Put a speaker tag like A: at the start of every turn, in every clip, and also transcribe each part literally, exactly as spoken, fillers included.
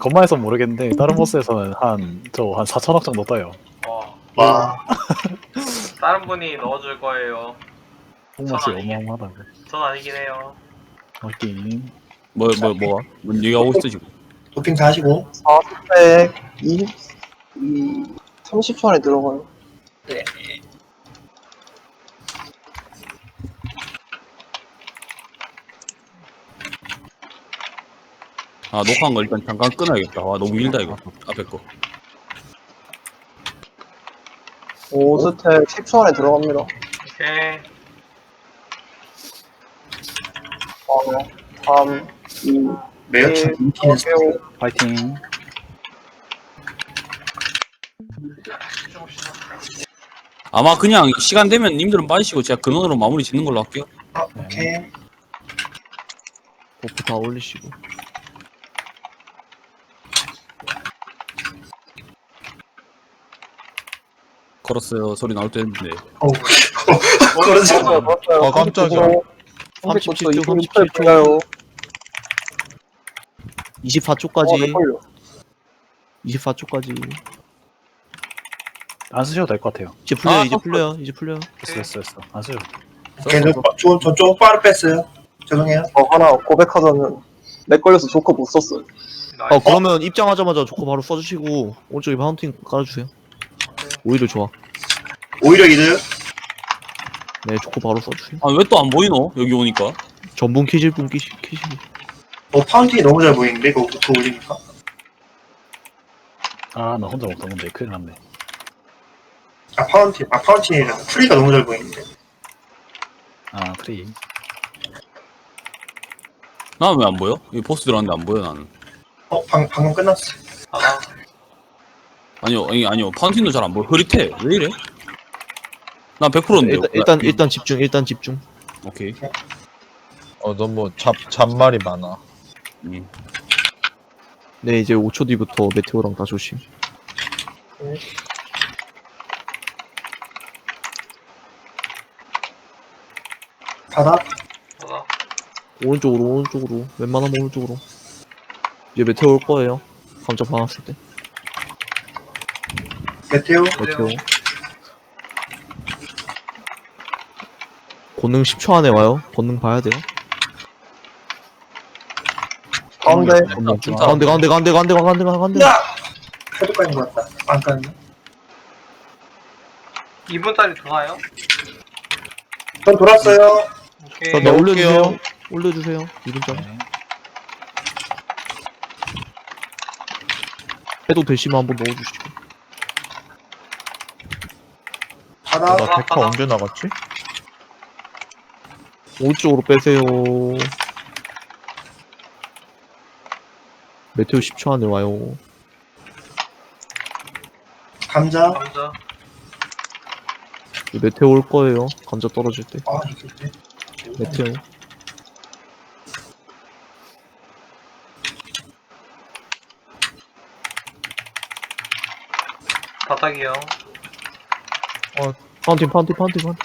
A: 건마에서 모르겠는데 다른 보스에서는 한 저 한 사천억 정도 떠요.
B: 어,
C: 와.
B: 다른 분이 넣어줄 거예요.
A: 뽕맛이
B: 전 아니긴-
A: 어마어마하다고.
B: 전 아니긴 해요.
A: 확인.
D: 뭐, 뭐, 뭐가? 뭔 얘기하고 있어, 지금?
C: 도핑 다 하시고.
E: 사백 이십, 삼십 초 안에 들어가요.
D: 아, 녹화한 거 일단 잠깐 끊어야겠다. 와, 너무 길다, 이거. 앞에 거.
E: 오 스택 십 초 안에 들어갑니다.
B: 오케이.
E: 사, 삼, 이,
C: 매우 참
E: 일,
C: 인기는
E: 오,
A: 파이팅.
B: 조금씩.
D: 아마 그냥 시간 되면 님들은 빠지시고 제가 근원으로 마무리 짓는 걸로 할게요.
C: 어, 오케이.
F: 버프 다 올리시고.
D: 걸었어요. 소리 나올 때 했는데.
C: 어우. 그러지 마.
F: 아, 깜짝이야. 삼십칠 초, 삼십칠 초.
E: 요
F: 이십사
E: 어,
F: 초까지.
E: 헷갈려.
F: 이십사 초까지.
A: 안 쓰셔도 될 것 같아요.
F: 이제 풀려요,
D: 아,
F: 이제
D: 썼어.
F: 풀려요, 이제 풀려요.
A: 됐어 됐어 됐어. 안 쓰셔도.
C: 오케이, 저, 저, 저 쪽바로 뺐어요. 죄송해요.
E: 어, 하나 고백하자면 렉 걸려서 조커 못 썼어요.
B: 나이스.
F: 어, 그러면 입장하자마자 조커 바로 써주시고, 오른쪽에 파운틴 깔아주세요. 오히려 좋아.
C: 오히려 이득.
F: 네, 조커 바로 써주세요.
D: 아, 왜 또 안 보이노? 여기 오니까.
F: 전분 키실 분 키시, 키시고.
C: 어, 파운틴이 너무 잘 보이는데, 그거, 그거 올리니까.
A: 아 나 혼자 먹던 건데 큰일 났네.
C: 아, 파운틴. 아, 파운틴이라. 프리가 너무 잘 보이는데.
A: 아 프리.
D: 나는 왜 안 보여? 이 보스 들어갔는데 안 보여, 나는.
C: 어, 방, 방금 끝났어.
B: 아,
D: 아니요, 아니, 아니요. 파운틴도 잘 안 보여. 흐릿해. 왜 이래? 난 백 퍼센트인데요.
F: 일단, 일단, 일단 집중, 일단 집중.
D: 오케이.
G: 어 너무 잡 잡말이 많아.
D: 음.
F: 네, 이제 오 초 뒤부터 메테오랑 다 조심.
C: 바닥.
B: 받아.
F: 오른쪽으로, 오른쪽으로. 웬만하면 오른쪽으로. 이제 메테오 올 거예요. 감자 방았을 때.
C: 메테오.
F: 메테오. 권능 십 초 안에 와요. 권능 봐야 돼요.
E: 가운데
F: 권능 좀. 가운데, 가운데, 가운데, 가운데, 가운데, 가운데.
C: 야! 해독까지 것 같다. 안 깠네.
B: 이 분짜리 도나요?
C: 전 돌았어요.
B: 오케이.
F: 자, 네,
G: 넣을게요.
F: 올려주세요. 올려주세요. 이 분짜리.
A: 네.
F: 해도 되시면 한번 넣어주시고.
C: 바닥.
G: 나 데카 언제 나갔지?
F: 오른쪽으로 빼세요. 메테오 십 초 안에 와요.
C: 감자.
B: 감자.
F: 이제 메테오 올 거예요. 감자 떨어질 때.
C: 아, 이게 왜?
F: 메테오.
B: 바닥이요.
F: 파운틴, 파운틴, 파운틴, 파운틴.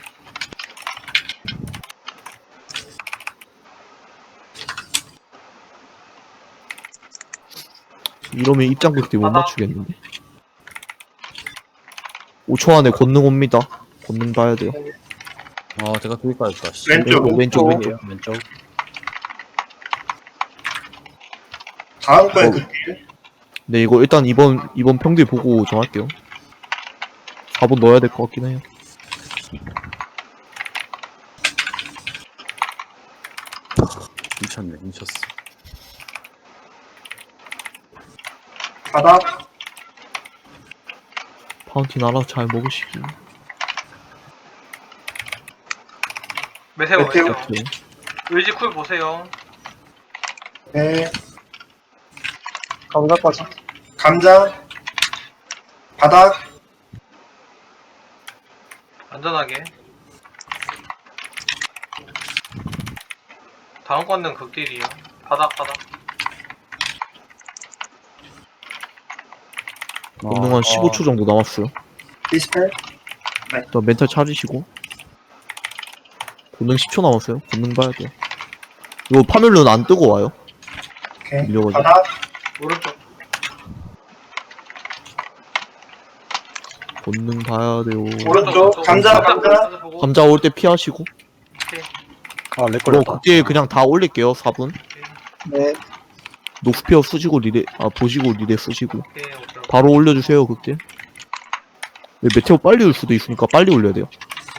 F: 이러면 입장 극딜 못 맞추겠는데. 오 초 안에 권능 옵니다. 권능 봐야 돼요.
D: 아, 제가 그기 빠졌다, 씨.
C: 왼쪽.
F: 왼쪽, 왼쪽, 왼쪽.
A: 왼쪽 왼쪽.
C: 다음 거에
F: 어.
C: 그
F: 네, 이거 일단 이번, 이번 평딜 보고 정할게요. 사 번 넣어야 될 것 같긴 해요.
D: 미쳤네, 미쳤어.
C: 바닥.
F: 파운틴 알아서 잘 먹으시기.
B: 메테오,
C: 메테오.
B: 메테오.
F: 오케이.
B: 의지 쿨 보세요.
C: 네.
E: 감자까지.
C: 감자. 바닥.
B: 안전하게. 다음 건는 극딜이요. 바닥, 바닥.
F: 권능 한 십오 초 정도 남았어요.
C: 디스펠.
F: 일단 멘탈 차리시고. 권능 십 초 남았어요. 권능 봐야 돼요. 이거 파멸룬 안 뜨고 와요.
C: 오케이.
F: 밀려가지고.
C: 바닥.
B: 오른쪽.
F: 권능 봐야 돼요.
C: 오른쪽 감자 감자.
B: 보고.
F: 감자 올 때 피하시고.
A: 아, 렉
F: 그럼
A: 걸렸다.
F: 극딜 그냥 다 올릴게요. 사 분.
E: 네.
F: 녹스피어 쓰시고 리레, 아, 보시고 리레 쓰시고.
B: 오케이, 오케이, 오케이.
F: 바로 올려주세요, 극딜. 네, 메테오 빨리 올 수도 있으니까 빨리 올려야 돼요.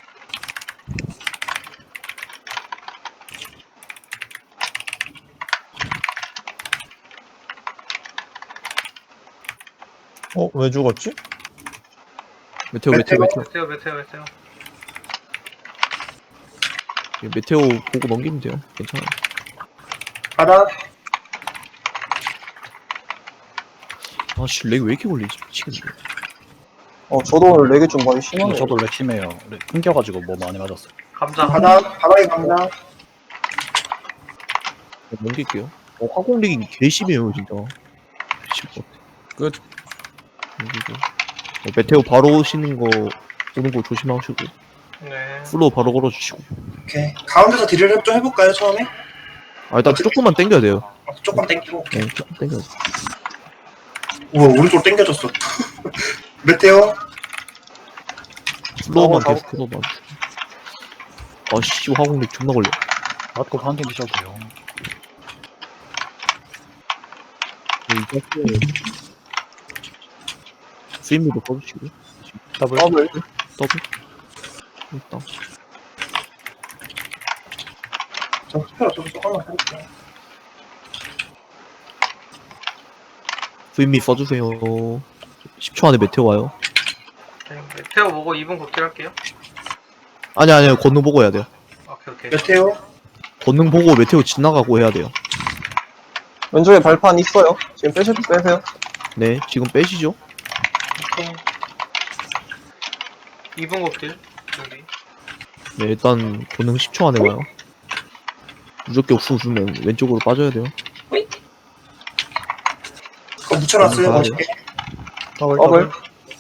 G: 어? 왜 죽었지?
F: 메테오, 메테오, 메테오.
B: 메테오, 메테오, 메테오.
F: 예, 메테오 보고 넘기면 돼요. 괜찮아요.
C: 바닥.
F: 아씨, 렉 왜 이렇게 걸리지? 미치겠네.
E: 어, 저도 오늘 렉이 좀 많이 심하네요.
A: 저도 렉 심해요. 렉 끊겨가지고 뭐 많이 맞았어요.
B: 감자.
C: 바닥 바닥에 감자.
F: 네, 넘길게요. 어, 화공렉이 개 심해요, 진짜. 미칠 것 같아.
D: 끝.
F: 넘기고. 어, 메테오 바로 오시는 거, 오는 거 조심하시고.
B: 네.
F: 플로우 바로 걸어주시고.
C: 오케이. 가운데서 딜을 좀 해볼까요 처음에?
F: 아, 일단 조금만 당겨야 돼요.
C: 어, 조금 땡기고.
F: 네, 조금 당겨야 돼.
C: 우와 오른쪽 땡겨졌어. 메테오.
F: 플로우만
E: 어,
F: 계속 풀어봐. 아씨, 화공렉 존나 걸려.
A: 맞고 한개 드셔도 돼요.
F: 네, 이제 스윗미도 써주시고.
A: 더블.
E: 더블.
F: 더블. 일단.
C: 저 스페어 좀 조금만 해볼게요.
F: 스윗미 써주세요. 십 초 안에 메테오 와요.
B: 네, 메테오 보고 이 분 곱길 할게요.
F: 아니, 아니요. 권능 보고 해야 돼요.
B: 오케이, 오케이.
C: 메테오.
F: 권능 보고 메테오 지나가고 해야 돼요.
E: 왼쪽에 발판 있어요. 지금 빼셔도 빼세요.
F: 네, 지금 빼시죠.
B: 이 분 곱길. 여기.
F: 네, 일단 권능 십 초 안에 와요. 무조건 옥수 주면 왼쪽으로 빠져야 돼요.
C: 그거 묻혀놨어요.
F: 바닥에.
C: 멋있게.
A: 더블.
E: 더블.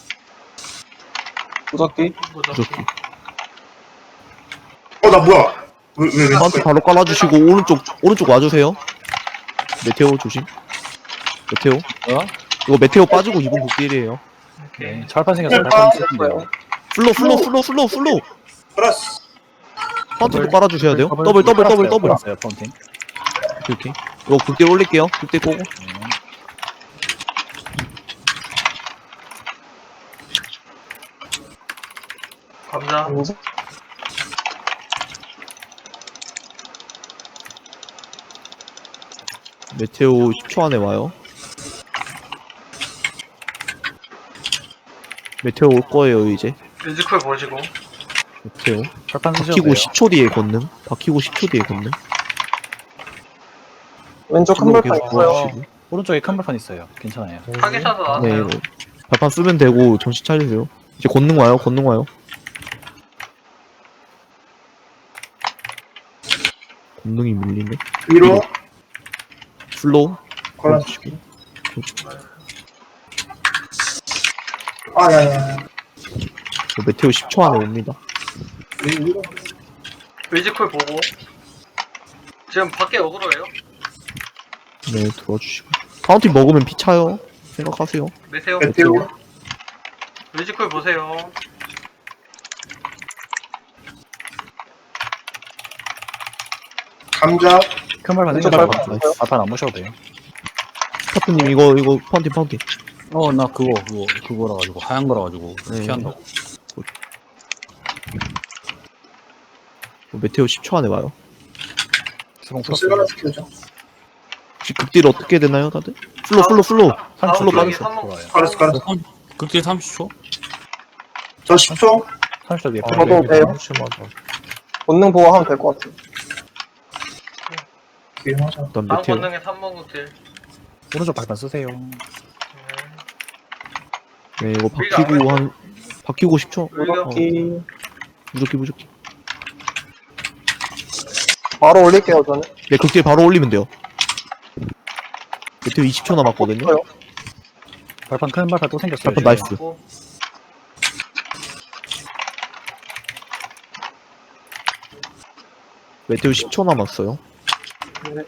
E: 무적기.
F: 무조건.
C: 어나 뭐야? 왜왜 왜?
F: 한테 바로 깔아주시고 오른쪽 오른쪽 와주세요. 메테오 조심. 메테오.
D: 어?
F: 이거 메테오 빠지고 이번 곡딜이에요.
B: 오케이.
A: 네, 철판 생겼어요.
C: 네,
A: 철판
C: 아,
A: 쓰면
F: 플로 플로 플로 플로 플로.
C: 플러스.
F: 파운틴도 깔아주셔야 돼요. 더블 더블 더블 더블.
A: 어요 파운틴.
F: 오케이. 이거 극딜 올릴게요. 극딜 꼬고.
B: 감자.
F: 메테오 십 초 안에 와요. 메테오 올 거예요 이제.
B: 뮤지컬 보시고.
F: 메테오.
A: 철판 쓰셔도
F: 박히고
A: 돼요.
F: 십 초 뒤에 걷는. 박히고 십 초 뒤에 걷는.
E: 왼쪽 큰
F: 플로우
E: 발판
F: 계속
E: 있어요.
F: 도와주시고.
A: 오른쪽에 큰 발판 있어요. 괜찮아요.
B: 타겟샷도
F: 네,
B: 나왔어요.
F: 이거 발판 쓰면 되고 정신 차리세요. 이제 권능 와요. 권능 와요. 권능이 밀리네.
C: 위로.
F: 플로우.
C: 걸어주시고. 아 야야.
F: 어, 메테오 십 초 안에 옵니다.
C: 위로.
B: 뮤지컬 보고. 지금 밖에 어그로예요?
F: 네, 들어와주시고. 파운틴 먹으면 피 차요. 생각하세요.
B: 메테오.
C: 메테오.
B: 뮤지컬 보세요.
C: 감자.
A: 큰 발판
E: 왼쪽
A: 생겼어요.
E: 발판
A: 나이스. 발판 안 무셔도 돼요.
F: 스타프님 이거 이거 파운틴 파운틴.
D: 어, 나 그거, 그거, 그거라 가지고, 하얀 거라 가지고,
F: 네.
D: 피한다고.
F: 어, 메테오 십 초 안에 와요.
A: 수봉
C: 저
A: 플러스.
C: 쓸만한 스킬이죠.
F: 혹시 극딜 어떻게 되나요, 다들? 플로 플로 플로.
B: 다음
F: 플로
B: 쪽에
F: 빠졌어.
B: 삼 번.
A: 좋아요.
C: 걸었어 걸었어.
D: 극딜 삼십 초?
C: 저 십 초.
A: 삼십 초 뒤에
G: 아,
A: 플러스.
E: 저도
G: 렉이
E: 돼요.
G: 너무 심하다.
E: 본능 보고 하면 될 것 같아요.
C: 위험하죠.
F: 일단
B: 다음
F: 메테오.
B: 권능에 삼 번 곱길.
A: 오른쪽 발판 쓰세요.
F: 네, 이거 박히고 한 박히고 십 초.
B: 우리가
E: 무적기.
F: 무조건 무조건.
E: 바로 올릴게요, 저는.
F: 네, 극딜 바로 올리면 돼요. 메테오 이십 초 남았거든요.
E: 있어요.
A: 발판 큰 발판 또 생겼어요.
F: 발판 나이스.
B: 고.
F: 메테오 십 초 남았어요.
E: 네.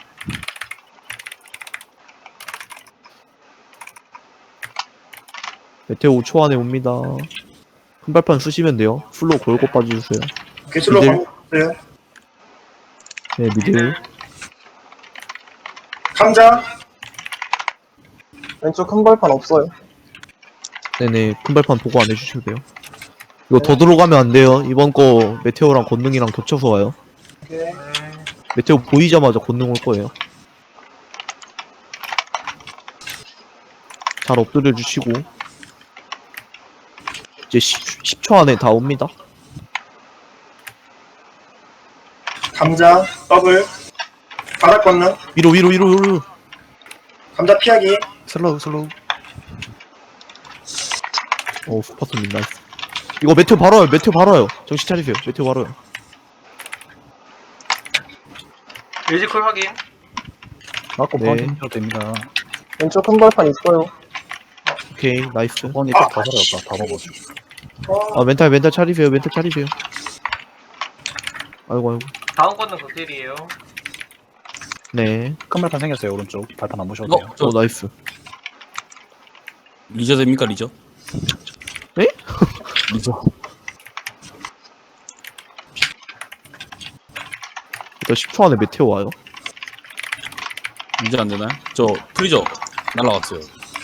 F: 메테오 오 초 안에 옵니다. 큰 발판 쓰시면 돼요. 풀로 골고 빠져주세요.
C: 개슬로
F: 미들.
C: 가세요.
F: 네, 미들.
C: 감자.
E: 왼쪽 큰 발판 없어요.
F: 네네, 큰 발판 보고 안 해주셔도 돼요. 이거 더 들어가면 안 돼요. 이번 거 메테오랑 권능이랑 겹쳐서 와요.
C: 오케이.
F: 메테오 보이자마자 권능 올 거예요. 잘 엎드려 주시고. 이제 십 초 안에 다 옵니다.
C: 감자. 더블. 바닥 건너.
F: 위로, 위로, 위로, 위로.
C: 감자 피하기.
A: 슬로우 슬로우.
F: 오, 스파트님 나이스. 이거 메테오 바로 와요. 메테오 바로 와요. 정신 차리세요. 메테오 바로 와요.
B: 뮤지컬 확인.
A: 맞고
F: 네.
A: 파운틴 해도 됩니다.
E: 왼쪽 큰 발판 있어요.
F: 오케이, 나이스.
A: 번 이쪽 다 살아졌다. 다 먹었어.
F: 아, 멘탈, 멘탈 차리세요. 멘탈 차리세요. 아이고, 아이고.
B: 다음 거는 극딜이에요.
F: 네.
A: 큰 발판 생겼어요. 오른쪽 발판 안 보셔도 돼요.
D: 어, 저
F: 오, 나이스.
D: 리저 됩니까 리저?
F: 에?
D: 리저.
F: 일단 십 초 안에 메테오 와요.
D: 리저 안 되나요? 저 프리저 날라갔어요.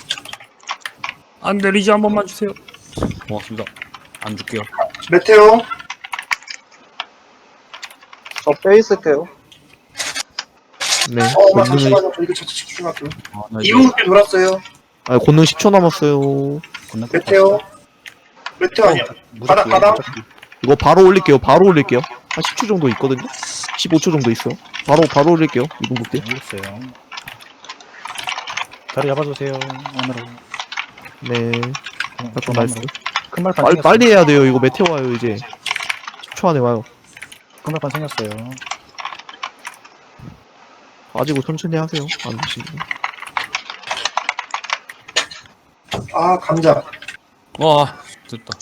D: 안돼 리저 한 번만 주세요. 고맙습니다. 안 줄게요.
C: 메테오.
E: 저 빼 있을게요.
F: 네.
C: 어, 엄마
F: 권능을,
C: 잠시만요. 저 이거 자체 집중할게요.
D: 아, 나 이제
C: 이 분 꽤 돌았어요.
F: 아, 권능 십 초 남았어요.
A: 권능
C: 메테오. 메테오 아니야. 바닥, 바닥.
F: 이거 바로 올릴게요. 바로 올릴게요. 한 십 초 정도 있거든요. 십오 초 정도 있어요. 바로 바로 올릴게요. 이분 볼게요.
A: 올렸어요. 자리 잡아주세요. 안으로.
F: 네.
A: 좀
F: 나이스.
A: 큰 발판
F: 빨리
A: 생겼어요.
F: 빨리 해야 돼요. 이거 메테오 와요 이제. 십 초 안에 와요.
A: 큰 발판 생겼어요.
F: 빠지고 천천히 하세요. 안 되시면.
C: 아, 감자.
D: 와 됐다.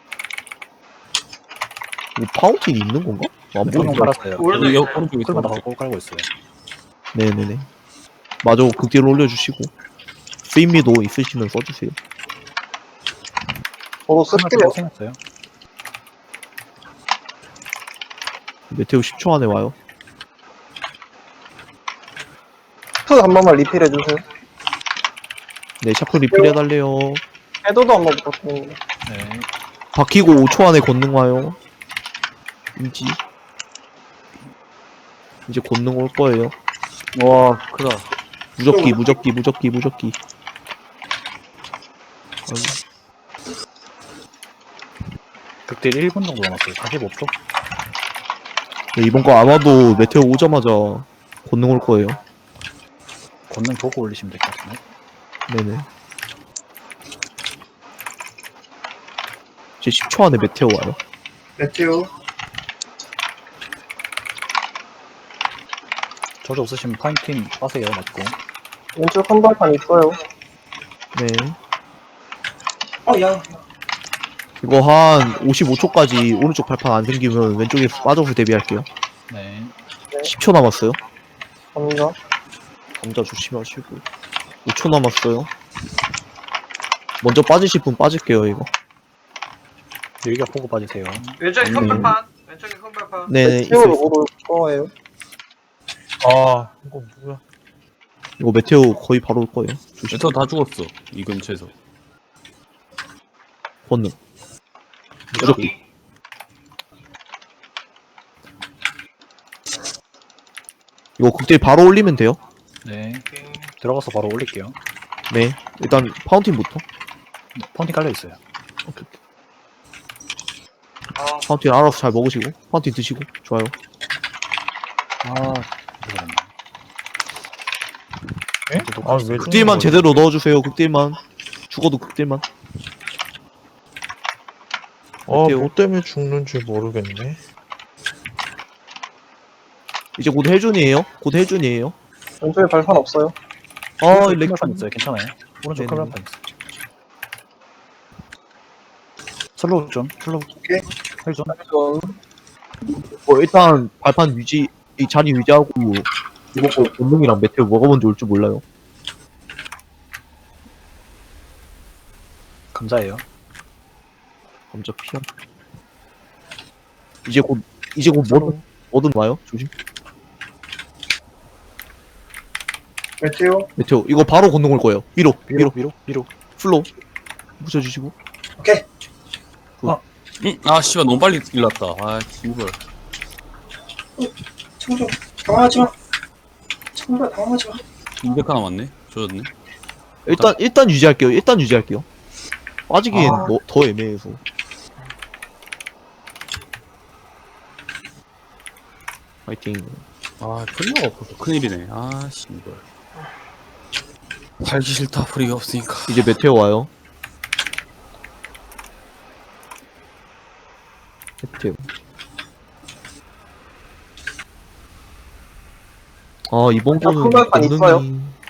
F: 이거 파운틴이 있는 건가? 안
A: 조금
F: 보이죠?
A: 깔았어요.
B: 오른쪽
D: 여기
B: 있어요.
D: 오른쪽에
A: 큰
D: 있어.
A: 발판 꼭 깔고 있어요.
F: 네네네. 마저 극딜 올려주시고. 스윗미도 있으시면 써주세요.
E: 저도
A: 큰
E: 쓸게요.
A: 발판 생겼어요.
F: 메테오 십 초 안에 와요.
E: 프 한 번만 리필 해주세요.
F: 네, 샤프 리필 해달래요.
E: 헤더도 한 번 부탁드립니다.
A: 네.
F: 박히고 오 초 안에 권능 와요. 인지. 이제 권능 올 거예요.
D: 와 크다.
F: 무적기, 무적기, 무적기, 무적기. 아이고.
A: 극딜 일 분 정도 남았어요. 사십오 초.
F: 네, 이번 거 아마도 메테오 오자마자 권능 올 거예요.
A: 권능 보고 올리시면 될 것 같은데.
F: 네네. 이제 십 초 안에 메테오 와요.
C: 메테오.
A: 저주 없으시면 파인팅 빠세요. 맞고.
E: 왼쪽 큰 발판 있어요.
F: 네.
C: 어, 야.
F: 이거 한 오십오 초까지 오른쪽 발판 안 생기면 왼쪽에 빠져서 대비할게요.
A: 네.
F: 십 초 남았어요.
E: 감자.
F: 감자 조심하시고. 오 초 남았어요. 먼저 빠지실 분 빠질게요, 이거.
A: 여기가 보고 빠지세요.
B: 왼쪽에 큰
F: 네.
B: 발판. 왼쪽에 큰 발판.
F: 네네, 있어요.
E: 메테오로
F: 있어요.
E: 올 거예요.
G: 아 이거 뭐야?
F: 이거 메테오 거의 바로 올 거예요. 조심.
D: 메터 다 죽었어 이 근처에서.
F: 권능. 무적기. 이거 극딜 바로 올리면 돼요.
A: 네.
B: 오케이.
A: 들어가서 바로 올릴게요.
F: 네. 일단 파운틴부터.
A: 네, 파운팅 깔려 있어요.
F: 오케이, 오케이.
B: 아,
F: 파운틴 알아서 잘 먹으시고. 파운틴 드시고. 좋아요.
A: 아, 이거는.
G: 에? 아왜
F: 극딜만 제대로 넣어주세요. 극딜만. 죽어도 극딜만. 메테오.
G: 아뭐 때문에 죽는지 모르겠네.
F: 이제 곧 헬준이에요. 곧 헬준이에요.
E: 왼쪽에 발판 없어요.
F: 아,
A: 오른쪽
F: 렉
A: 큰 발판 있어요. 괜찮아요. 오른쪽 큰
F: 네네.
A: 발판 있어요. 슬로우 좀. 슬로우.
C: 오케이.
A: 헬 좀.
E: 좀
F: 뭐 일단 발판 유지, 이 자리 유지하고 이번 거 본능이랑 메테오 뭐가 먼저 올 줄 몰라요.
A: 감자예요.
F: 감자 피한. 이제 곧 이제 곧 뭐든 뭐든 와요. 조심.
C: 메테오.
F: 메테오 이거 바로 건너올 거예요. 위로
A: 위로
F: 위로
A: 위로 위로.
F: 플로 붙여주시고.
C: 오케이.
D: 응? 아 씨발 너무 빨리 일났다. 아 이걸.
C: 청조. 당황하지 마. 청조 당황하지 마.
D: 이백 하나 남았네. 조졌네.
F: 일단 일단 유지할게요. 일단 유지할게요. 빠지기엔
C: 아.
F: 뭐, 더 애매해서. 파이팅.
D: 아 프리가 없어서 큰일이네. 아 씨발. 살기 싫다 프리가 없으니까.
F: 이제 메테오 와요. 메테오. 아 이번
E: 아,
F: 거는
E: 큰발판
F: 권능이
E: 있어요?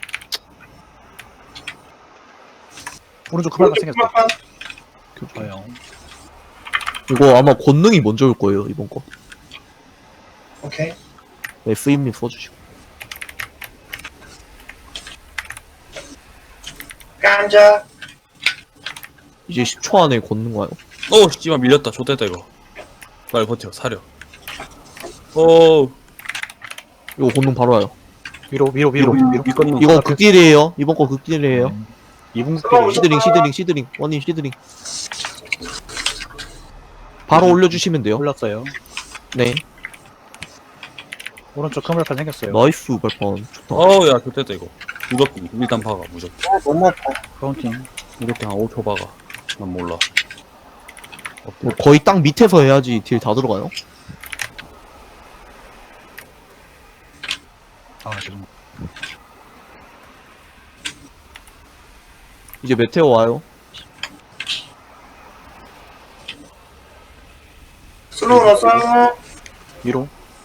A: 오른쪽 크발가
C: 오른쪽
A: 생겼다.
C: 큰발판.
A: 좋아요.
F: 이거 아마 권능이 먼저 올 거예요 이번 거.
C: 오케이.
F: 네, 스임님 써주시고.
C: 감자.
F: 이제 십 초 안에 권능 와요.
D: 오 씨발 밀렸다. 좆됐다 이거. 빨리 버텨 사려. 오
F: 이거 권능 바로 와요.
A: 위로 위로 위로 위로. 위로.
D: 미건능.
F: 이거 극딜이에요. 이번 거 극딜이에요.
A: 음. 이분
C: 들어오죠.
A: 스킬이
F: 시드링 시드링 시드링 원님 시드링. 바로 올려주시면 돼요.
A: 올랐어요.
F: 네.
A: 오른쪽 크발판 생겼어요.
F: 나이스 발판 좋다.
D: 어우야 좆됐다 이거. 무조건 일단 박아 무조건.
E: 어, 너무 아파.
A: 카운팅.
D: 이렇게 한 오 초 박아. 난 몰라.
F: 뭐 거의 땅 밑에서 해야지 딜 다 들어가요.
A: 아 지금.
F: 이제 메테오 와요.
C: 슬로우 났어요.
A: 위로.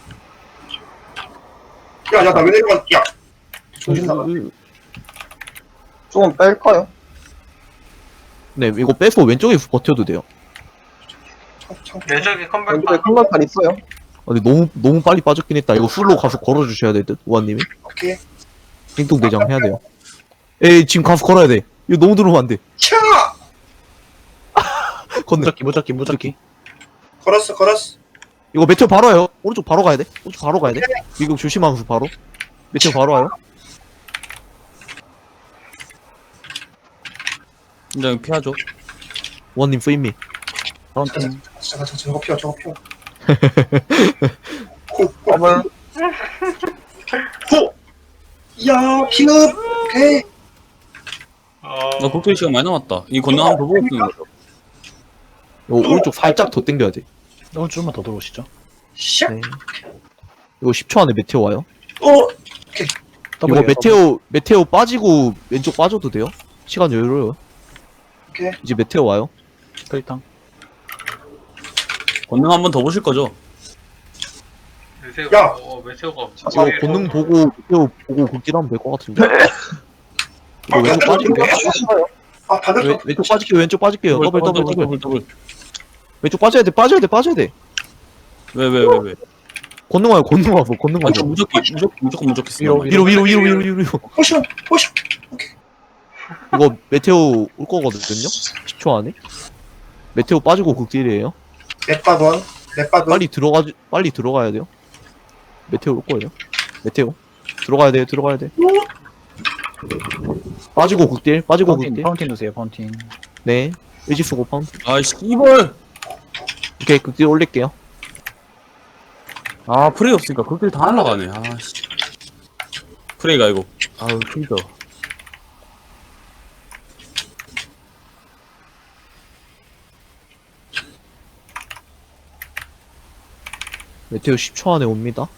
C: 야, 야, 나 왜 내려가? 야. 정신 나가.
E: 조금 뺄까요?
F: 네, 이거 빼서 왼쪽에서 버텨도 돼요.
C: 참, 참.
B: 왼쪽에
E: 왼쪽에
B: 컴발판.
E: 큰발판 있어요?
F: 아, 근데 너무 너무 빨리 빠졌긴 했다. 이거 술로 가서 걸어주셔야 될 듯, 우아님이.
C: 오케이.
F: 띵동대장 해야 돼요. 에이, 지금 가서 걸어야 돼. 이거 너무 들어오면 안 돼.
C: 차!
F: 건너.
A: 무적기 무적기 무적기.
C: 걸었어, 걸었어.
F: 이거 메테오 바로 와요. 오른쪽 바로 가야 돼. 오른쪽 바로 가야 돼. 미국 조심하면서 바로. 메테오 바로 와요.
D: 굉장히 피하죠.
F: 우아님 쓰임미.
A: 카운팅.
C: 잠깐, 잠깐, 저거 피워, 저거 피워. 호, 호,
E: 더블.
C: 호! 야, 피흡! 오케이.
B: 어.
D: 나 국토 시간 많이 남았다. 이 건너 한번 더 보고 쓰는 거죠.
F: 이거 오른쪽 살짝 더 당겨야 돼.
A: 오늘 좀만 더 들어오시죠.
C: 샥!
F: 네. 이거 십 초 안에 메테오 와요.
C: 어!
F: 이거
A: 더블이에요,
F: 메테오 메테오 빠지고 왼쪽 빠져도 돼요. 시간 여유로워요.
C: 오케이.
F: 이제 메테오 와요.
A: 더블. 클리탕.
D: 건능 한번 더 보실 거죠?
B: 메테오.
C: 야!
B: 어, 메테오가.
F: 이거 본능 보고 메테오 보고 극딜하면 될 것 같은데. 이거 왼쪽 빠질게요.
E: 있어요?
C: 아, 반대로.
F: 왼- 왼쪽 빠질게요. 왼쪽 빠질게요. 더블 더블 더블.
D: 더블 더블.
F: 왼쪽 빠져야 돼. 빠져야 돼. 빠져야 돼.
D: 왜 왜 왜 왜?
F: 권능 와요. 권능 와서 권능
D: 아,
F: 와서.
D: 무조건 무조건 무조건 무조건 쓰는
A: 위로,
D: 거야.
F: 위로 위로 위로 위로 위로 위로.
C: 포션, 포션.
F: 이거 메테오 올 거거든요. 십 초 안에. 메테오 빠지고 극딜이에요.
C: 넷바돈, 넷바돈.
F: 빨리 들어가 빨리 들어가야 돼요. 메테오 올 거예요. 메테오 들어가야 돼요. 들어가야 돼. 빠지고 극딜. 빠지고
A: 파운틴.
F: 극딜.
A: 파운틴 넣으세요. 파운틴.
F: 네. 의지 쓰고 파운드.
D: 아이씨 이벌.
F: 오케이 극딜 올릴게요.
D: 아 프레이 없으니까 그길 다 날라가네. 아씨. 프레이가 이거. 아우 힘들어.
F: 메테오 십 초 안에 옵니다.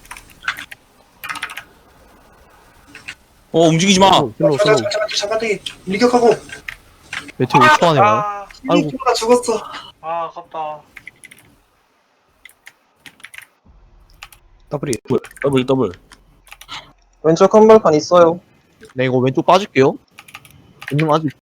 D: 어 움직이지 마.
F: 슬로우 슬로우.
C: 잠깐, 잠깐, 잠깐, 잠깐, 밀격하고.
F: 메테오 오 초 안에 와요.
B: 아,
F: 아이고.
C: 나 죽었어.
B: 아, 아깝다.
A: 더블이.
D: 더블 더블.
E: 왼쪽 큰발판 있어요.
F: 네 이거 왼쪽 빠질게요. 권능 아직